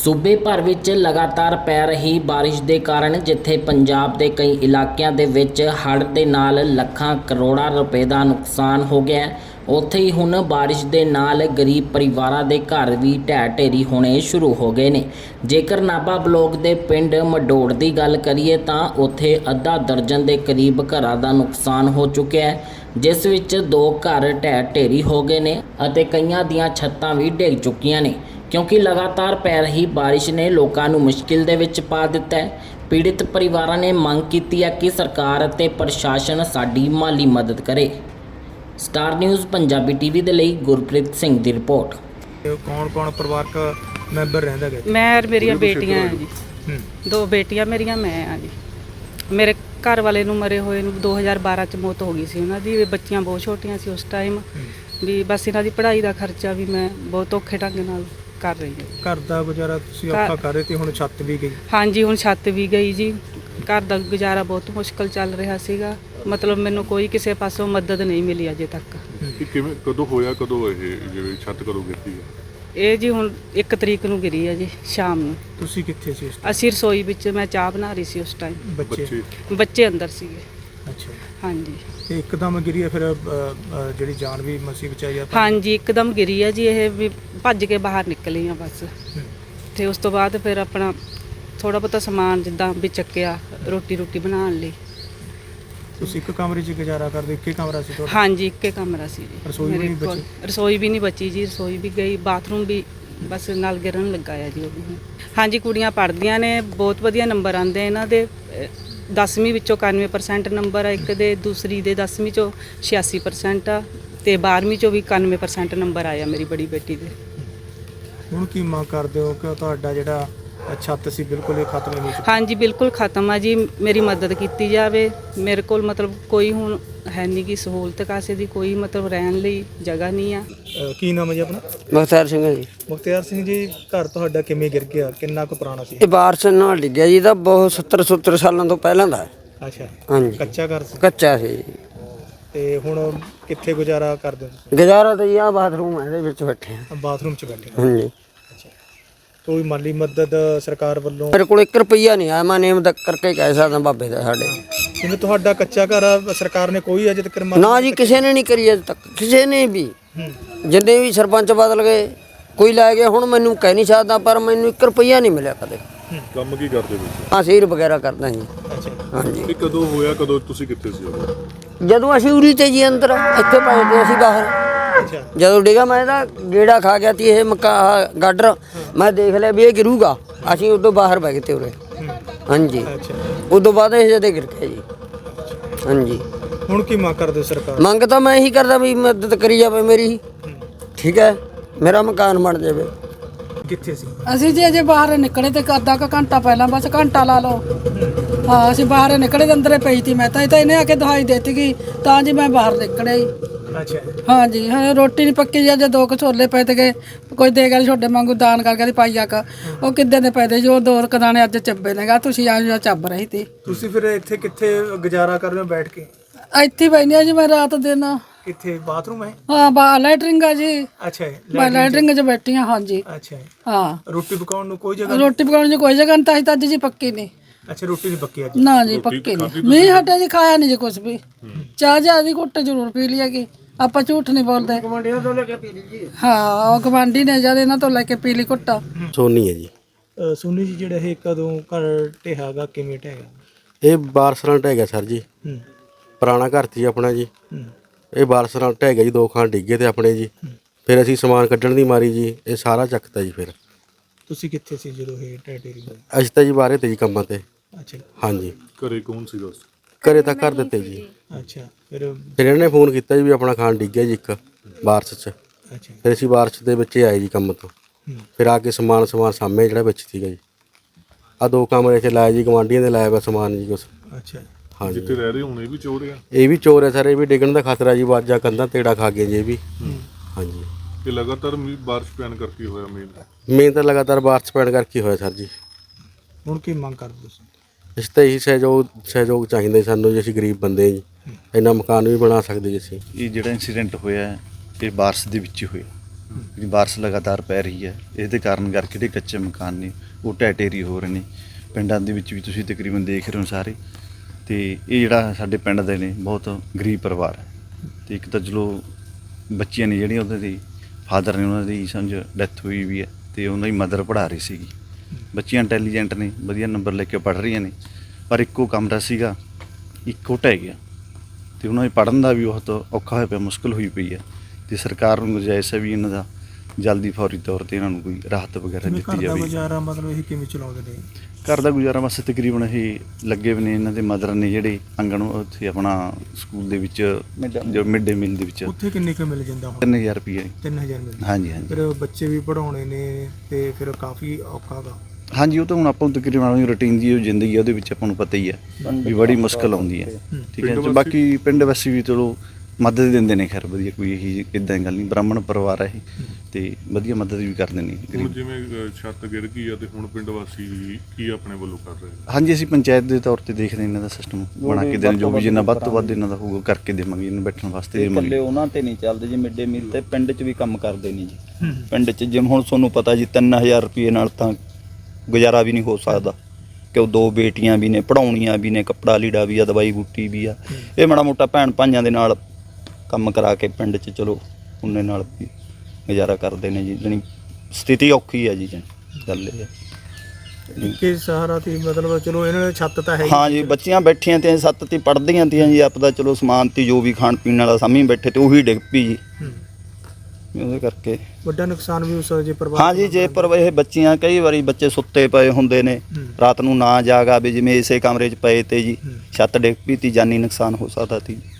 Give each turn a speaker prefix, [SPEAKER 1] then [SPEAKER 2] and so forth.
[SPEAKER 1] ਸੂਬੇ ਭਰ ਵਿੱਚ ਲਗਾਤਾਰ ਪੈ ਰਹੀ ਬਾਰਿਸ਼ ਦੇ ਕਾਰਨ ਜਿੱਥੇ ਪੰਜਾਬ ਦੇ ਕਈ ਇਲਾਕਿਆਂ ਦੇ ਵਿੱਚ ਹੜ੍ਹ ਦੇ ਨਾਲ ਲੱਖਾਂ ਕਰੋੜਾਂ ਰੁਪਏ ਦਾ ਨੁਕਸਾਨ ਹੋ ਗਿਆ ਹੈ, ਉੱਥੇ ਹੀ ਹੁਣ ਬਾਰਿਸ਼ ਦੇ ਨਾਲ ਗਰੀਬ ਪਰਿਵਾਰਾਂ ਦੇ ਘਰ ਵੀ ਢਹਿ ਢੇਰੀ ਹੋਣੇ ਸ਼ੁਰੂ ਹੋ ਗਏ ਨੇ। ਜੇਕਰ ਨਾਭਾ ਬਲਾਕ ਦੇ ਪਿੰਡ ਮਡੋੜ ਦੀ ਗੱਲ ਕਰੀਏ ਤਾਂ ਉੱਥੇ ਅੱਧਾ ਦਰਜਨ ਦੇ ਕਰੀਬ ਘਰਾਂ ਦਾ ਨੁਕਸਾਨ ਹੋ ਚੁੱਕਿਆ ਹੈ, ਜਿਸ ਵਿੱਚ 2 ਘਰ ਢਹਿ ਢੇਰੀ ਹੋ ਗਏ ਨੇ ਅਤੇ ਕਈਆਂ ਦੀਆਂ ਛੱਤਾਂ ਵੀ ਡਿੱਗ ਚੁੱਕੀਆਂ ਨੇ, क्योंकि लगातार पै रही बारिश ने लोगों को मुश्किल दे विच पा दिता है। पीड़ित परिवारों ने मंग की है कि सरकार ते प्रशासन साडी माली मदद करे। स्टार न्यूज़ पंजाबी टीवी दे लई गुरप्रीत सिंह दी रिपोर्ट।
[SPEAKER 2] कौन कौन परिवारक मैंबर रहिंदा है?
[SPEAKER 3] मैं मेरिया बेटियां हैं जी, 2 बेटियां मेरिया मैं हाँ जी। मेरे घर वाले नूं मरे होए नूं 2012 च मौत हो गई सी। उन्हां दी बच्चियां बहुत छोटियां सी उस टाइम भी, बस इन्हां दी पढ़ाई दा खर्चा भी मैं बहुत औखे ढंग नाल कर रही हूँ।
[SPEAKER 2] घर दा गुजारा तुसीं औखा कर रहे थे, हुण छत भी गई? हाँ
[SPEAKER 3] जी, हुण छत भी गई जी। घर दा गुजारा बहुत मुश्किल चल रहा सीगा, मतलब मैनूं कोई किसी पासों मदद नहीं मिली अजे तक।
[SPEAKER 4] किवें कदों होया, कदों जिवें छत कदों गिरती है?
[SPEAKER 3] ਇਹ ਜੀ ਹੁਣ 1 ਤਰੀਕ ਨੂੰ ਗਿਰੀ ਹੈ ਜੀ ਸ਼ਾਮ ਨੂੰ।
[SPEAKER 2] ਤੁਸੀਂ ਕਿੱਥੇ ਸੀ ਉਸ time?
[SPEAKER 3] ਅਸੀਂ ਰਸੋਈ ਵਿੱਚ ਮੈਂ ਚਾਹ ਬਣਾ ਰਹੀ ਸੀ ਉਸ ਟਾਈਮ। ਬੱਚੇ ਅੰਦਰ ਸੀਗੇ।
[SPEAKER 2] ਅੱਛਾ
[SPEAKER 3] ਹਾਂਜੀ।
[SPEAKER 2] ਤੇ ਇੱਕਦਮ ਗਿਰੀ ਹੈ, ਫਿਰ ਜਿਹੜੀ ਜਾਨ ਵੀ ਮਸੀ ਬਚਾਈ ਆ?
[SPEAKER 3] ਹਾਂਜੀ, ਇੱਕਦਮ ਗਿਰੀ ਹੈ ਜੀ। ਇਹ ਵੀ ਭੱਜ ਕੇ ਬਾਹਰ ਨਿਕਲੀ ਆ ਬਸ। ਤੇ ਉਸ ਤੋਂ ਬਾਅਦ ਫਿਰ ਆਪਣਾ ਥੋੜਾ ਬਹੁਤਾ ਸਮਾਨ ਜਿੱਦਾਂ ਵੀ ਚੱਕਿਆ ਰੋਟੀ ਬਣਾਉਣ ਲਈ। ਤੁਸੀਂ
[SPEAKER 2] ਇੱਕ ਕਮਰੇ 'ਚ ਗੁਜ਼ਾਰਾ ਕਰਦੇ? ਇੱਕ ਹੀ ਕਮਰਾ ਸੀ ਤੁਹਾਡਾ?
[SPEAKER 3] ਹਾਂਜੀ, ਇੱਕ ਹੀ ਕਮਰਾ ਸੀ ਜੀ।
[SPEAKER 2] ਰਸੋਈ ਵੀ ਨਹੀਂ ਬਚੀ?
[SPEAKER 3] ਰਸੋਈ ਵੀ ਨਹੀਂ ਬਚੀ ਜੀ, ਰਸੋਈ ਵੀ ਗਈ, ਬਾਥਰੂਮ ਵੀ ਬਸ ਨਾਲ ਗਿਰਨ ਲੱਗਾ ਆ ਜੀ ਉਹ ਵੀ। ਹਾਂਜੀ, ਕੁੜੀਆਂ ਪੜ੍ਹਦੀਆਂ ਨੇ, ਬਹੁਤ ਵਧੀਆ ਨੰਬਰ ਆਉਂਦੇ ਇਹਨਾਂ ਦੇ। 10ਵੀਂ ਵਿੱਚੋਂ 91% ਨੰਬਰ ਆ ਇੱਕ ਦੇ, ਦੂਸਰੀ ਦੇ 10ਵੀਂ ਚੋਂ 86% ਆ ਤੇ 12ਵੀਂ ਚੋਂ ਵੀ 91% ਨੰਬਰ ਆਇਆ ਮੇਰੀ ਬੜੀ ਬੇਟੀ ਦੇ।
[SPEAKER 2] ਹੁਣ ਕੀ ਮੰਗ ਕਰਦੇ ਹੋ ਕਿ ਤੁਹਾਡਾ ਜਿਹੜਾ ਛੱਤ ਸੀ ਬਿਲਕੁਲ ਹੀ ਖਤਮ ਹੋ ਚੁੱਕੀ?
[SPEAKER 3] ਹਾਂਜੀ, ਬਿਲਕੁਲ ਖਤਮ ਆ ਜੀ। ਮੇਰੀ ਮਦਦ ਕੀਤੀ ਜਾਵੇ। ਮੇਰੇ ਕੋਲ ਮਤਲਬ ਕੋਈ ਹੁਣ ਹੈ ਨਹੀਂ ਕਿ ਸਹੂਲਤ ਕਾਸੇ ਦੀ, ਕੋਈ ਮਤਲਬ ਰਹਿਣ ਲਈ ਜਗ੍ਹਾ ਨਹੀਂ ਆ।
[SPEAKER 2] ਕੀ ਨਾਮ ਹੈ ਜੀ ਆਪਣਾ?
[SPEAKER 5] ਮੁਖਤਿਆਰ ਸਿੰਘ ਹੈ ਜੀ।
[SPEAKER 2] ਮੁਖਤਿਆਰ ਸਿੰਘ ਜੀ, ਘਰ ਤੁਹਾਡਾ ਕਿਵੇਂ ਗਿਰ ਗਿਆ? ਕਿੰਨਾ ਕੁ ਪੁਰਾਣਾ ਸੀ?
[SPEAKER 5] ਇਹ ਬਾਰਿਸ਼ ਨਾਲ ਡਿੱਗਿਆ ਜੀ, ਇਹਦਾ ਬਹੁਤ 70 ਸਾਲਾਂ ਤੋਂ ਪਹਿਲਾਂ ਦਾ ਹੈ।
[SPEAKER 2] ਅੱਛਾ।
[SPEAKER 5] ਹਾਂਜੀ,
[SPEAKER 2] ਕੱਚਾ ਘਰ ਸੀ?
[SPEAKER 5] ਕੱਚਾ ਸੀ।
[SPEAKER 2] ਤੇ ਹੁਣ ਕਿੱਥੇ ਗੁਜ਼ਾਰਾ ਕਰਦੇ ਹੋ?
[SPEAKER 5] ਗੁਜ਼ਾਰਾ ਤਾਂ ਜੀ ਆਹ ਬਾਥਰੂਮ ਹੈ, ਇਹਦੇ ਵਿੱਚ ਬੈਠੇ ਹਾਂ।
[SPEAKER 2] ਬਾਥਰੂਮ 'ਚ ਬੈਠੇ ਹੋ?
[SPEAKER 5] ਹਾਂਜੀ।
[SPEAKER 2] ਕੋਈ ਮਾਲੀ ਮਦਦ ਸਰਕਾਰ ਵੱਲੋਂ?
[SPEAKER 5] ਮੇਰੇ ਕੋਲ 1 ਰੁਪਈਆ ਨਹੀਂ ਆਇਆ, ਮੈਂ ਨੇਮ ਤੱਕ ਕਰਕੇ ਕਹਿ ਸਕਦਾ ਬਾਬੇ ਦਾ ਸਾਡੇ।
[SPEAKER 2] ਜਿਵੇਂ ਤੁਹਾਡਾ ਕੱਚਾ ਘਰ ਆ, ਸਰਕਾਰ ਨੇ ਕੋਈ ਅਜੇ ਤੱਕ
[SPEAKER 5] ਨਾ ਜੀ, ਕਿਸੇ ਨੇ ਨਹੀਂ ਕਰੀ ਅਜੇ ਤੱਕ, ਕਿਸੇ ਨੇ ਵੀ। ਜਿੰਨੇ ਵੀ ਸਰਪੰਚ ਬਦਲ ਗਏ, ਕੋਈ ਲੈ ਗਿਆ। ਹੁਣ ਮੈਨੂੰ ਕਹਿ ਨਹੀਂ ਸਕਦਾ, ਪਰ ਮੈਨੂੰ 1 ਰੁਪਈਆ ਨਹੀਂ ਮਿਲਿਆ ਕਦੇ।
[SPEAKER 4] ਕੰਮ ਕੀ ਕਰਦੇ ਤੁਸੀਂ?
[SPEAKER 5] ਹਾਂ, ਸੀਰ ਵਗੈਰਾ ਕਰਦਾ ਜੀ। ਹਾਂਜੀ।
[SPEAKER 4] ਇਹ ਕਦੋਂ ਹੋਇਆ, ਕਦੋਂ ਤੁਸੀਂ ਕਿੱਥੇ ਸੀ ਉਦੋਂ?
[SPEAKER 5] ਜਦੋਂ ਅਸੀਂ ਉਰੀ ਤੇ ਜੀ ਅੰਦਰ, ਇੱਥੇ ਪਏ ਤੇ ਅਸੀਂ ਬਾਹਰ। ਜਦੋਂ ਡਿੱਗਾ ਮੈਂ ਤਾਂ ਗੇੜਾ ਖਾ ਗਿਆ ਤੀ ਇਹ ਗਾਡਰ, ਮੈਂ ਦੇਖ ਲਿਆ ਵੀ ਇਹ ਗਿਰੂਗਾ, ਅਸੀਂ ਉਦੋਂ ਬਾਹਰ ਬੈ ਗਏ ਤੇ ਉਰੇ। ਹਾਂਜੀ, ਉਦੋਂ ਬਾਅਦ ਇਹ ਜਦੇ ਗਿਰ ਗਿਆ ਜੀ। ਹਾਂਜੀ।
[SPEAKER 2] ਹੁਣ ਕੀ ਮੰਗ ਕਰਦੇ ਸਰਕਾਰ?
[SPEAKER 5] ਮੰਗ ਤਾਂ ਮੈਂ ਇਹੀ ਕਰਦਾ ਵੀ ਮਦਦ ਕਰੀ ਜਾਵੇ ਮੇਰੀ, ਠੀਕ ਹੈ, ਮੇਰਾ ਮਕਾਨ ਬਣ ਜਾਵੇ।
[SPEAKER 2] ਕਿੱਥੇ ਸੀ?
[SPEAKER 6] ਅਸੀਂ ਜੀ ਅਜੇ ਬਾਹਰ ਨਿਕਲੇ ਤੇ ਅੱਧਾ ਕੁ ਘੰਟਾ ਪਹਿਲਾਂ, ਬਸ ਘੰਟਾ ਲਾ ਲਓ। ਹਾਂ, ਅਸੀਂ ਬਾਹਰ ਨਿਕਲੇ ਤੇ ਅੰਦਰੇ ਪਈ ਤੀ ਮੈਂ ਤਾਂ। ਇਹ ਤਾਂ ਇਹਨੇ ਆ ਕੇ ਦਵਾਈ ਦਿੱਤੀ ਗਈ ਤਾਂ ਜੀ ਮੈਂ ਬਾਹਰ ਨਿਕਲਿਆ ਜੀ।
[SPEAKER 2] ਅੱਛਾ।
[SPEAKER 6] ਹਾਂਜੀ, ਹਾਂ, ਰੋਟੀ ਨਹੀਂ ਪੱਕੀ ਜੀ। ਅਜੇ 2 ਕੁ ਛੋਲੇ ਪਏ ਤੇ ਕੋਈ ਦੇ ਗਿਆ ਛੋਡੇ ਵਾਂਗੂ ਦਾਨ ਕਰਕੇ ਦੀ ਪਾਈ ਆਕ। ਉਹ ਕਿੱਦਾਂ ਦੇ ਪਏ ਤੇ ਜੋ 2 ਕਦਾਣੇ ਅੱਜ ਚੱਬੇ ਨੇਗਾ। ਤੁਸੀਂ ਆ ਚੱਬ ਰਹੀ ਤੀ।
[SPEAKER 2] ਤੁਸੀਂ ਫਿਰ ਇੱਥੇ ਕਿੱਥੇ ਗੁਜ਼ਾਰਾ ਕਰ ਰਹੇ ਹੋ ਬੈਠ ਕੇ?
[SPEAKER 6] ਇੱਥੇ ਬੈਠੀ ਆ ਜੀ ਮੈਂ ਰਾਤ ਦਿਨ।
[SPEAKER 2] ਕਿੱਥੇ ਬਾਥਰੂਮ ਹੈ?
[SPEAKER 6] ਹਾਂ, ਲੈਟਰਿੰਗ ਆ ਜੀ।
[SPEAKER 2] ਅੱਛਾ।
[SPEAKER 6] ਮੈਂ ਲੈਟਰਿੰਗ 'ਚ ਬੈਠੀ ਹਾਂ। ਹਾਂਜੀ।
[SPEAKER 2] ਅੱਛਾ।
[SPEAKER 6] ਹਾਂ,
[SPEAKER 2] ਰੋਟੀ ਪਕਾਉਣ ਨੂੰ ਕੋਈ ਜਗ੍ਹਾ?
[SPEAKER 6] ਰੋਟੀ ਪਕਾਉਣ ਦੀ ਕੋਈ ਜਗ੍ਹਾ ਨਹੀਂ ਤਾਂ ਅੱਜ ਜੀ ਪੱਕੀ ਨਹੀਂ।
[SPEAKER 2] ਅੱਛਾ, ਰੋਟੀ ਨਹੀਂ ਪੱਕੀ ਅੱਜ?
[SPEAKER 6] ਨਾ ਜੀ, ਪੱਕੀ ਨਹੀਂ। ਮੀਂਹ ਹਟਿਆ ਜੀ, ਖਾਇਆ ਨਹੀਂ ਜੀ ਕੁਛ ਵੀ। ਚਾਹ ਜਿਆਦੀ ਘੁੱਟ ਜ਼ਰੂਰ ਪੀ ਲਈ ਹੈਗੀ, ਆਪਾਂ ਝੂਠ ਨਹੀਂ ਬੋਲਦੇ। ਹਾਂ, ਉਹ ਗਵਾਂਢੀ ਨੇ ਜਦ ਇਹਨਾਂ ਤੋਂ ਲੈ ਕੇ ਪੀ ਲਈ ਘੁੱਟ।
[SPEAKER 5] ਸੋਨੀ ਹੈ ਜੀ।
[SPEAKER 2] ਸੋਨੀ ਜੀ, ਜਿਹੜਾ ਇਹ ਕਦੋਂ ਘਰ ਢਹਿਗਾ, ਕਿਵੇਂ ਢਹਿਗਾ?
[SPEAKER 5] ਇਹ ਬਾਰਿਸ਼ ਨਾਲ ਢਹਿ ਗਿਆ ਸਰ ਜੀ। ਪੁਰਾਣਾ ਘਰ ਸੀ ਆਪਣਾ ਜੀ। ਇਹ ਬਾਰਿਸ਼ ਨਾਲ ਢਹਿ ਗਿਆ ਜੀ, 2 ਖਾਂ ਡਿੱਗੇ ਤੇ ਆਪਣੇ ਜੀ। ਫਿਰ ਅਸੀਂ ਸਮਾਨ ਕੱਢਣ ਦੀ ਮਾਰੀ ਜੀ ਇਹ ਸਾਰਾ ਚੱਕਤਾ ਜੀ। ਫਿਰ
[SPEAKER 2] ਤੁਸੀਂ ਕਿੱਥੇ ਸੀ ਜਦੋਂ ਇਹ ਢਹਿ ਗਈ?
[SPEAKER 5] ਅਸੀਂ ਤਾਂ ਜੀ ਬਾਹਰੇ ਤੇ ਜੀ ਕੰਮਾਂ ਤੇ।
[SPEAKER 2] ਅੱਛਾ।
[SPEAKER 5] ਹਾਂਜੀ।
[SPEAKER 4] ਘਰੇ ਕੌਣ ਸੀ ਦੋਸਤ?
[SPEAKER 5] ਘਰੇ ਤਾਂ ਕਰ ਦਿੱਤੇ ਜੀ।
[SPEAKER 2] ਅੱਛਾ।
[SPEAKER 5] ਫਿਰ ਇਹਨਾਂ ਨੇ ਫੋਨ ਕੀਤਾ ਜੀ ਵੀ ਆਪਣਾ ਖਾਣ ਡਿੱਗਿਆ ਜੀ ਇੱਕ ਬਾਰਿਸ਼ 'ਚ।
[SPEAKER 2] ਅੱਛਾ।
[SPEAKER 5] ਫਿਰ ਅਸੀਂ ਬਾਰਿਸ਼ ਦੇ ਵਿੱਚ ਆਏ ਜੀ ਕੰਮ ਤੋਂ। ਫਿਰ ਆ ਕੇ ਸਮਾਨ ਸਾਹਮਣੇ ਜਿਹੜਾ ਵਿੱਚ ਸੀਗਾ ਜੀ, ਆਹ 2 ਕਮਰੇ 'ਚ ਲਾਇਆ ਜੀ, ਗਵਾਂਢੀਆਂ ਦੇ ਲਾਇਆ ਵਾ ਸਮਾਨ ਜੀ ਕੁਛ।
[SPEAKER 2] ਅੱਛਾ।
[SPEAKER 5] ਹਾਂਜੀ।
[SPEAKER 4] ਜਿੱਥੇ ਰਹਿ ਰਹੇ ਹੁਣ ਇਹ ਵੀ ਚੋਰ ਆ?
[SPEAKER 5] ਇਹ ਵੀ ਚੋਰ ਹੈ ਸਰ, ਇਹ ਵੀ ਡਿੱਗਣ ਦਾ ਖਤਰਾ ਜੀ। ਵਾਜਾ ਕੰਧਾਂ ਤੇੜਾ ਖਾ ਗਏ ਜੀ ਇਹ ਵੀ। ਹਾਂਜੀ।
[SPEAKER 4] ਇਹ ਲਗਾਤਾਰ ਬਾਰਿਸ਼ ਪੈਣ ਕਰਕੇ ਹੋਇਆ
[SPEAKER 5] ਮੇਨ ਤਾਂ ਲਗਾਤਾਰ ਬਾਰਿਸ਼ ਪੈਣ ਕਰਕੇ ਹੋਇਆ ਸਰ ਜੀ।
[SPEAKER 2] ਹੁਣ ਕੀ ਮੰਗ ਕਰਦੇ ਤੁਸੀਂ?
[SPEAKER 5] ਇਸ ਤਾਂ ਇਹੀ ਸਹਿਯੋਗ ਚਾਹੀਦਾ ਸਾਨੂੰ ਜੀ। ਅਸੀਂ ਗਰੀਬ ਬੰਦੇ ਜੀ, ਇੰਨਾ ਮਕਾਨ ਵੀ ਬਣਾ ਸਕਦੇ ਜੀ ਅਸੀਂ।
[SPEAKER 7] ਇਹ ਜਿਹੜਾ ਇਨਸੀਡੈਂਟ ਹੋਇਆ ਇਹ ਬਾਰਿਸ਼ ਦੇ ਵਿੱਚ ਹੀ ਹੋਇਆ। ਜਿਹੜੀ ਬਾਰਿਸ਼ ਲਗਾਤਾਰ ਪੈ ਰਹੀ ਹੈ ਇਹਦੇ ਕਾਰਨ ਕਰਕੇ ਜਿਹੜੇ ਕੱਚੇ ਮਕਾਨ ਨੇ ਉਹ ਢਹਿ ਢੇਰੀ ਹੋ ਰਹੇ ਨੇ। ਪਿੰਡਾਂ ਦੇ ਵਿੱਚ ਵੀ ਤੁਸੀਂ ਤਕਰੀਬਨ ਦੇਖ ਰਹੇ ਹੋ ਸਾਰੇ, ਤੇ ਇਹ ਜਿਹੜਾ ਸਾਡੇ ਪਿੰਡ ਦੇ ਨੇ ਬਹੁਤ ਗਰੀਬ ਪਰਿਵਾਰ ਹੈ। ਤੇ ਇੱਕ ਤਾਂ ਚਲੋ ਬੱਚੀਆਂ ਨੇ ਜਿਹੜੀਆਂ ਉਹਦੇ ਦੀ ਫਾਦਰ ਨੇ ਉਹਨਾਂ ਦੀ ਸਮਝ ਡੈਥ ਹੋਈ ਵੀ ਹੈ, ਤੇ ਉਹਨਾਂ ਦੀ ਮਦਰ ਪੜ੍ਹਾ ਰਹੀ ਸੀਗੀ। ਬੱਚੀਆਂ ਇੰਟੈਲੀਜੈਂਟ ਨੇ, ਵਧੀਆ ਨੰਬਰ ਲੈ ਕੇ ਪੜ੍ਹ ਰਹੀਆਂ ਨੇ, ਪਰ ਇੱਕੋ ਕਮਰਾ ਸੀਗਾ, ਇੱਕੋ ਢਹਿ ਗਿਆ, ਤੇ ਉਹਨਾਂ ਦੇ ਪੜ੍ਹਨ ਦਾ ਵੀ ਬਹੁਤ ਔਖਾ ਹੋਇਆ ਪਿਆ, ਮੁਸ਼ਕਿਲ ਹੋਈ ਪਈ ਹੈ। ਤੇ ਸਰਕਾਰ ਨੂੰ ਗੁਜ਼ਾਰਿਸ਼ ਹੈ ਵੀ ਇਹਨਾਂ ਦਾ ਜਲਦੀ ਫੌਰੀ ਤੌਰ ਤੇ ਇਹਨਾਂ ਨੂੰ ਕੋਈ ਰਾਹਤ ਵਗੈਰਾ
[SPEAKER 2] ਕਿਵੇਂ
[SPEAKER 7] ਦਿੱਤੀ
[SPEAKER 2] ਘਰ ਦਾ
[SPEAKER 7] ਜਾਵੇ।
[SPEAKER 2] ਗੁਜ਼ਾਰਾ ਮਤਲਬ ਇਹ ਕਿਵੇਂ ਚਲਾਉਂਦੇ ਨੇ?
[SPEAKER 7] ਘਰ ਦਾ ਗੁਜ਼ਾਰਾ ਬਸ ਤਕਰੀਬਨ ਇਹ ਲੱਗੇ ਵੀ ਨੇ, ਇਹਨਾਂ ਦੇ ਮਦਰ ਨੇ ਜਿਹੜੇ ਆਂਗਣ ਉੱਥੇ ਆਪਣਾ ਸਕੂਲ ਦੇ ਵਿੱਚ ਜੋ ਮਿਡ ਡੇ ਮੀਲ ਦੇ ਵਿੱਚ
[SPEAKER 2] ਉੱਥੇ ਕਿੰਨੇ ਕੁ ਮਿਲ ਜਾਂਦਾ ਹੁਣ?
[SPEAKER 7] 3000 ਰੁਪਏ।
[SPEAKER 2] 3000 ਮਿਲਦਾ?
[SPEAKER 7] ਹਾਂਜੀ ਹਾਂਜੀ
[SPEAKER 2] ਫਿਰ ਬੱਚੇ ਵੀ ਪੜਾਉਣੇ ਨੇ ਤੇ ਫਿਰ ਕਾਫੀ ਔਖਾ ਗਾ।
[SPEAKER 7] ਹਾਂਜੀ, ਉਹ ਤਾਂ ਹੁਣ ਆਪਾਂ ਨੂੰ ਤਕਰੀਬਨ ਆਪਣੀ ਰੂਟੀਨ ਦੀ ਜੋ ਜ਼ਿੰਦਗੀ ਹੈ ਉਹਦੇ ਵਿੱਚ ਆਪਾਂ ਨੂੰ ਪਤਾ ਹੀ ਹੈ ਵੀ ਬੜੀ ਮੁਸ਼ਕਲ ਆਉਂਦੀ ਹੈ। ਠੀਕ ਹੈ, ਤੇ ਬਾਕੀ ਪਿੰਡ ਵਾਸੀ ਵੀ ਚਲੋ ਮਦਦ ਦਿੰਦੇ ਨੇ, ਖੈਰ ਵਧੀਆ, ਕੋਈ ਇਹੀ ਇੱਦਾਂ ਦੀ ਗੱਲ ਨਹੀਂ। ਬ੍ਰਾਹਮਣ ਪਰਿਵਾਰ ਹੈ ਇਹ, ਤੇ ਵਧੀਆ ਮਦਦ ਵੀ ਕਰਦੇ ਨੇ
[SPEAKER 4] ਹੁਣ
[SPEAKER 7] ਗਰੀਬ।
[SPEAKER 4] ਜਿਵੇਂ ਛੱਤ ਗਿਰ ਗਈ ਆ ਤੇ ਹੁਣ ਪਿੰਡ ਵਾਸੀ ਕੀ ਆਪਣੇ ਵੱਲੋਂ ਕਰ ਰਹੇ ਨੇ?
[SPEAKER 7] ਹਾਂਜੀ, ਅਸੀਂ ਪੰਚਾਇਤ ਦੇ ਤੌਰ ਤੇ ਦੇਖਦੇ ਇਹਨਾਂ ਦਾ ਸਿਸਟਮ ਬਣਾ ਕੇ ਦੇਣ, ਜੋ ਵੀ ਜਿੰਨਾ ਵੱਧ ਤੋਂ ਵੱਧ ਇਹਨਾਂ ਦਾ ਹੋਊਗਾ ਕਰਕੇ ਦੇਵਾਂਗੇ, ਇਹਨੂੰ ਬੈਠਣ ਵਾਸਤੇ
[SPEAKER 8] ਇਕੱਲੇ
[SPEAKER 7] ਦੇਵਾਂਗੇ।
[SPEAKER 8] ਉਹਨਾਂ ਤੇ ਨਹੀਂ ਚੱਲਦੇ ਜੀ, ਮਿਡ ਡੇ ਮੀਲ ਤੇ ਪਿੰਡ 'ਚ ਵੀ ਕੰਮ ਕਰਦੇ ਨੇ ਜੀ। ਪਿੰਡ 'ਚ ਜਿਵੇਂ ਹੁਣ ਤੁਹਾਨੂੰ ਪਤਾ ਜੀ 3000 ਰੁਪਏ ਨਾਲ ਤਾਂ ਗੁਜ਼ਾਰਾ ਵੀ ਨਹੀਂ ਹੋ ਸਕਦਾ, ਕਿਉਂ 2 ਬੇਟੀਆਂ ਵੀ ਨੇ, ਪੜਾਉਣੀਆਂ ਵੀ ਨੇ, ਕੱਪੜਾ ਲੀੜਾ ਵੀ ਆ, ਦਵਾਈ ਬੂਟੀ ਵੀ ਆ। ਇਹ ਮਾੜਾ ਮੋਟਾ ਭੈਣ ਭਾਈਆਂ ਦੇ ਨਾਲ ਕੰਮ ਕਰਾ ਕੇ ਪਿੰਡ 'ਚ ਚਲੋ ਉਹਨੇ ਨਾਲ ਵੀ ਗੁਜ਼ਾਰਾ ਕਰਦੇ ਨੇ ਜੀ। ਜਾਣੀ ਸਥਿਤੀ ਔਖੀ ਹੈ ਜੀ, ਗੱਲ ਇਹ ਹੈ।
[SPEAKER 2] ਕਿ ਸਹਾਰਾ ਤੇ ਮਤਲਬ ਚਲੋ ਇਹਨਾਂ ਦੀ ਛੱਤ ਤਾਂ ਹੈ
[SPEAKER 8] ਹਾਂ ਜੀ, ਬੱਚੀਆਂ ਬੈਠੀਆਂ ਤੇ ਸੱਤ ਤੇ ਪੜ੍ਹਦੀਆਂ ਤੀਆਂ ਜੀ, ਆਪਦਾ ਚਲੋ ਸਮਾਨ ਤੀ ਜੋ ਵੀ ਖਾਣ ਪੀਣ ਵਾਲਾ ਸਾਹਮਣੇ ਬੈਠੇ ਤੇ ਉਹੀ ਡਿੱਗ ਪਈ ਜੀ। ਉਹਦੇ ਕਰਕੇ
[SPEAKER 2] ਵੱਡਾ ਨੁਕਸਾਨ ਵੀ ਉਸ ਜੇ ਪਰਿਵਾਰ
[SPEAKER 8] ਹਾਂ ਜੀ, ਜੇ ਪਰ ਇਹ ਬੱਚੀਆਂ ਕਈ ਵਾਰੀ ਬੱਚੇ ਸੁੱਤੇ ਪਏ ਹੁੰਦੇ ਨੇ, ਰਾਤ ਨੂੰ ਨਾ ਜਾਗ ਆਵੇ, ਜਿਵੇਂ ਇਸੇ ਕਮਰੇ 'ਚ ਪਏ ਤੇ ਜੀ ਛੱਤ ਡਿੱਗ ਪਈ ਤੀ, ਜਾਨੀ ਨੁਕਸਾਨ ਹੋ ਸਕਦਾ ਤੀ।